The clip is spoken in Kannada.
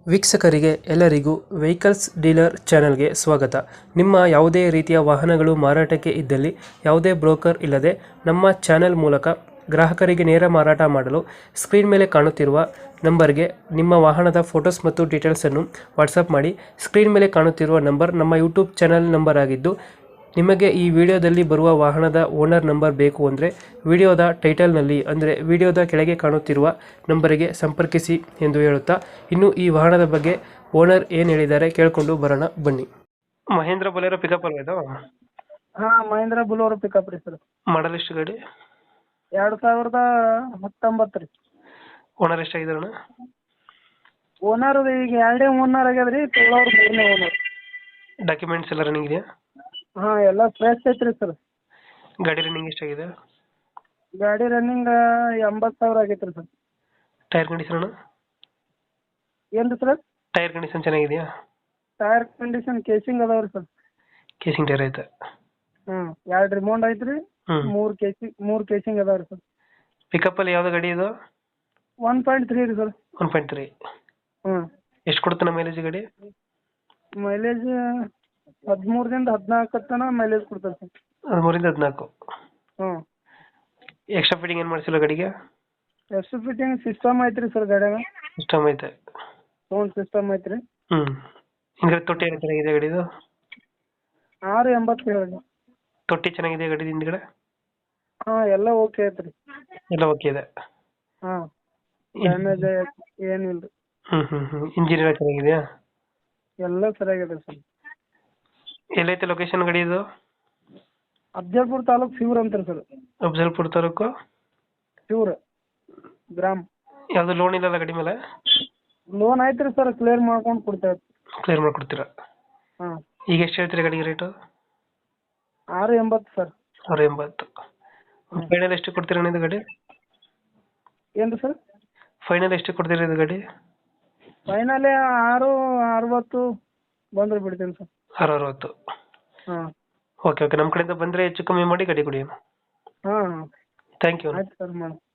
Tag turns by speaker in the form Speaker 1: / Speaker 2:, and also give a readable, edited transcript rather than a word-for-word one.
Speaker 1: ವೀಕ್ಷಕರಿಗೆ ಎಲ್ಲರಿಗೂ ವೆಹಿಕಲ್ಸ್ ಡೀಲರ್ ಚಾನೆಲ್ಗೆ ಸ್ವಾಗತ. ನಿಮ್ಮ ಯಾವುದೇ ರೀತಿಯ ವಾಹನಗಳು ಮಾರಾಟಕ್ಕೆ ಇದ್ದಲ್ಲಿ ಯಾವುದೇ ಬ್ರೋಕರ್ ಇಲ್ಲದೆ ನಮ್ಮ ಚಾನೆಲ್ ಮೂಲಕ ಗ್ರಾಹಕರಿಗೆ ನೇರ ಮಾರಾಟ ಮಾಡಲು ಸ್ಕ್ರೀನ್ ಮೇಲೆ ಕಾಣುತ್ತಿರುವ ನಂಬರ್ಗೆ ನಿಮ್ಮ ವಾಹನದ ಫೋಟೋಸ್ ಮತ್ತು ಡೀಟೇಲ್ಸನ್ನು ವಾಟ್ಸಪ್ ಮಾಡಿ. ಸ್ಕ್ರೀನ್ ಮೇಲೆ ಕಾಣುತ್ತಿರುವ ನಂಬರ್ ನಮ್ಮ ಯೂಟ್ಯೂಬ್ ಚಾನೆಲ್ ನಂಬರ್ ಆಗಿದ್ದು, ನಿಮಗೆ ಈ ವಿಡಿಯೋದಲ್ಲಿ ಬರುವ ವಾಹನದ ಓನರ್ ನಂಬರ್ ಬೇಕು ಅಂದರೆ ವಿಡಿಯೋದ ಟೈಟಲ್ನಲ್ಲಿ ಅಂದರೆ ವಿಡಿಯೋದ ಕೆಳಗೆ ಕಾಣುತ್ತಿರುವ ನಂಬರಿಗೆ ಸಂಪರ್ಕಿಸಿ ಎಂದು ಹೇಳುತ್ತಾ, ಇನ್ನು ಈ ವಾಹನದ ಬಗ್ಗೆ ಓನರ್ ಏನು ಹೇಳಿದ್ದಾರೆ ಕೇಳಿಕೊಂಡು ಬರೋಣ ಬನ್ನಿ. ಮಹೇಂದ್ರ ಬೊಲೆರೋ ಪಿಕಪ್ ಅಲ್ವಾ ಇದು?
Speaker 2: ಹಾ, ಮಹೇಂದ್ರ ಬುಲೋರೋ ಪಿಕಪ್ ರೀ ಸರ್.
Speaker 1: ಮಾಡಲ್ ಎಷ್ಟು ಗಾಡಿ?
Speaker 2: 2019 ರೀ.
Speaker 1: ಓನರ್ ಎಷ್ಟಾಗಿದ್ದಾರೆ ಅಣ್ಣ?
Speaker 2: ಓನರ್ ಈಗ ಎರಡೇ ಓನರ್ ಆಗ್ಯದ ರೀ, ತೊಗೊಳೋರು ಮೂರನೇ ಓನರ್.
Speaker 1: ಡಾಕ್ಯುಮೆಂಟ್ಸ್ ಎಲ್ಲ ರನ್ನಿಂಗ್ ಇದೆಯಾ?
Speaker 2: ಹಾ, ಎಲ್ಲ ಫ್ರೆಶ್ ಐತ್ರಿ ಸರ್.
Speaker 1: ಗಾಡಿ ರನ್ನಿಂಗ್ ಎಷ್ಟಾಗಿದೆ?
Speaker 2: ಗಾಡಿ ರನ್ನಿಂಗ್ 80,000 ಆಗೈತೆ ರೀ ಸರ್.
Speaker 1: ಟೈರ್ ಕಂಡೀಷನ್ ಅಣ್ಣ?
Speaker 2: ಏನು ರೀ ಸರ್?
Speaker 1: ಟೈರ್ ಕಂಡೀಷನ್ ಚೆನ್ನಾಗಿದೆಯಾ?
Speaker 2: ಟೈರ್ ಕಂಡೀಷನ್ ಕೇಸಿಂಗ್ ಅದಾವ ರೀ ಸರ್.
Speaker 1: ಕೇಸಿಂಗ್ ಟೈರ್ ಐತೆ?
Speaker 2: ಹ್ಞೂ, 2 ರಿಮೌಂಡ್ ಐತ್ರಿ, 3 ಕೇಸಿಂಗ್ ಅದಾವ ರೀ ಸರ್.
Speaker 1: ಪಿಕಪ್ಪಲ್ಲಿ ಯಾವ್ದು ಗಾಡಿ ಇದು?
Speaker 2: 1.3 ರೀ ಸರ್.
Speaker 1: 1.3.
Speaker 2: ಹ್ಞೂ.
Speaker 1: ಎಷ್ಟು ಕೊಡ್ತಾನೆ ಮೈಲೇಜ್ ಗಾಡಿ?
Speaker 2: ಮೈಲೇಜ್ 13ರಿಂದ 14 ತನಕ ಮೈಲೇಜ್ ಕೊಡ್ತಾರೆ ಸರ್.
Speaker 1: 13-14.
Speaker 2: ಹ್ಞೂ.
Speaker 1: ಎಕ್ಸ್ಟ್ರಾ ಫಿಟ್ಟಿಂಗ್ ಏನು ಮಾಡಿಸಿಲ್ಲ ಗಾಡಿಗೆ?
Speaker 2: ಎಷ್ಟು ಫಿಟ್ಟಿಂಗ್ ಸಿಸ್ಟಮ್ ಐತ್ರಿ ಸರ್ ಗಾಡಿಯಾಗ.
Speaker 1: ಸಿಸ್ಟಮ್ ಐತೆ?
Speaker 2: ಸೌಂಡ್ ಸಿಸ್ಟಮ್ ಐತ್ರಿ.
Speaker 1: ಹಿಂಗೆ ತೊಟ್ಟಿ ಎಲ್ಲ ಚೆನ್ನಾಗಿದೆ ಗಾಡಿದು?
Speaker 2: 680 ಹೇಳಿ.
Speaker 1: ತೊಟ್ಟಿ ಚೆನ್ನಾಗಿದೆ ಗಾಡಿ ಹಿಂದ್ಗಡೆ?
Speaker 2: ಹಾಂ, ಎಲ್ಲ ಓಕೆ ಐತ್ರಿ.
Speaker 1: ಎಲ್ಲ ಓಕೆ ಇದೆ?
Speaker 2: ಹಾಂ, ಡ್ಯಾಮೇಜ್ ಏನಿಲ್ಲ ರೀ.
Speaker 1: ಇಂಜಿನ್ ಎಲ್ಲ ಚೆನ್ನಾಗಿದೆಯಾ?
Speaker 2: ಎಲ್ಲ ಸರಿಯಾಗಿದೆ ಸರ್.
Speaker 1: ಎಲ್ಲೈತೆ ಲೊಕೇಶನ್ ಗಾಡಿ ಇದು?
Speaker 2: ಅಫ್ಜಲ್ಪುರ ತಾಲೂಕು ಶಿವ್ರ ಅಂತಾರೆ ಸರ್.
Speaker 1: ಅಫ್ಜಲ್ಪುರ ತಾಲೂಕು
Speaker 2: ಶಿವ್ರ ಗ್ರಾಮ್.
Speaker 1: ಯಾವುದು ಲೋನ್ ಇಲ್ಲಲ್ಲ ಗಾಡಿ ಮೇಲೆ?
Speaker 2: ಲೋನ್ ಐತ್ರಿ ಸರ್, ಕ್ಲಿಯರ್ ಮಾಡ್ಕೊಂಡು ಕೊಡ್ತೇವೆ.
Speaker 1: ಕ್ಲಿಯರ್ ಮಾಡ್ಕೊಡ್ತೀರಾ?
Speaker 2: ಹಾಂ.
Speaker 1: ಈಗ ಎಷ್ಟು ಹೇಳ್ತೀರಾ ಗಾಡಿಗೆ ರೇಟು?
Speaker 2: 680 ಸರ್.
Speaker 1: 680. ಫೈನಲ್ ಎಷ್ಟು ಕೊಡ್ತೀರಾ ಇದು ಗಾಡಿ?
Speaker 2: ಏನು ರೀ ಸರ್?
Speaker 1: ಫೈನಲ್ ಎಷ್ಟು ಕೊಡ್ತೀರಾ ಇದು ಗಾಡಿ?
Speaker 2: ಫೈನಲೇ 660 ಬಂದ್ರೆ ಬಿಡ್ತೀನಿ ಸರ್.
Speaker 1: 660.
Speaker 2: ಹಾಂ.
Speaker 1: ಓಕೆ ಓಕೆ, ನಮ್ಮ ಕಡೆಯಿಂದ ಬಂದರೆ ಹೆಚ್ಚು ಕಮ್ಮಿ ಮಾಡಿ ಗಾಡಿ ಕೊಡಿ.
Speaker 2: ಹಾಂ ಹಾಂ,
Speaker 1: ಥ್ಯಾಂಕ್ ಯು.
Speaker 2: ಆಯ್ತು ಸರ್, ಮಾಡಿ.